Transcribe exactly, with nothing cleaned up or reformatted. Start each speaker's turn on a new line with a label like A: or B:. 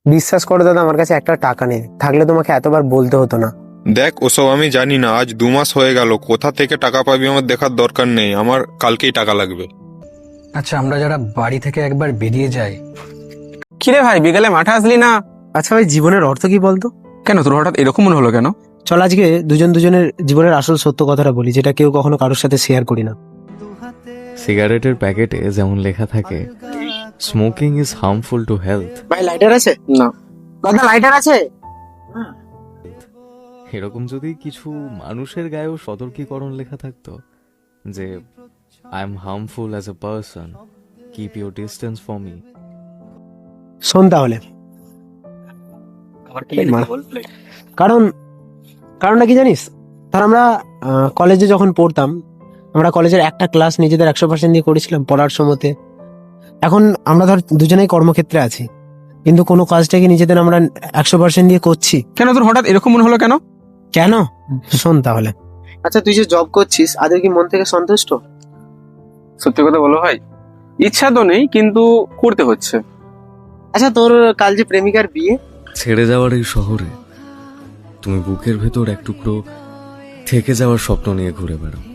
A: বিশ্বাস করো দাদা, আমার কাছে একটা টাকা নেই, থাকলে তোমাকে এতবার বলতে হতো না।
B: দেখ, ওসব আমি জানি না। আজ দু মাস হয়ে গেল, কোথা থেকে টাকা পাবি আমার দেখার দরকার নেই। আমার কালকেই টাকা লাগবে।
C: আচ্ছা, আমরা যারা বাড়ি থেকে একবার বেরিয়ে যাই।
D: কিরে ভাই, বিকেলে মাঠে আসলি না?
A: আচ্ছা ভাই, জীবনের অর্থ কি বলতো?
D: কেন তোর হঠাৎ এরকম মনে হলো কেন?
A: চল আজকে দুজন দুজনের জীবনের আসল সত্য কথাটা বলি, যেটা কেউ কখনো কারোর সাথে শেয়ার করি না।
E: সিগারেটের প্যাকেটে যেমন লেখা থাকে smoking is harmful to health,
A: ভাই লাইটার আছে?
D: না।
A: দাদা লাইটার আছে?
E: এরকম যদি কিছু মানুষের গায়েও সতর্কীকরণ লেখা থাকতো যে I am harmful as a person, keep your distance for me.
A: শোন তাহলে, কারণ কারণটা কি জানিস? ধর আমরা কলেজে যখন পড়তাম, আমরা কলেজের একটা ক্লাস নিজেদের একশো পার্সেন্ট দিয়ে করেছিলাম পড়ার সময়তে। এখন আমরা ধর দুজনেই কর্মক্ষেত্রে আছি, কিন্তু কোনো কাজটাকে নিজেদের আমরা একশো পার্সেন্ট দিয়ে করছি
D: কেন তোর হঠাৎ এরকম মনে হলো কেন?
A: কেন? শোন তাহলে, আচ্ছা তুই যে জব করছিস, আদৌ কি মন থেকে সন্তুষ্ট?
D: সত্যি কথা বলো ভাই, ইচ্ছা তো নেই, কিন্তু করতে হচ্ছে।
A: আচ্ছা তোর কাল যে প্রেমিকার বিয়ে,
E: ছেড়ে যাওয়ার এই শহরে তুমি বুকের ভেতর এক টুকরো থেকে যাওয়ার স্বপ্ন নিয়ে ঘুরে বেড়াও।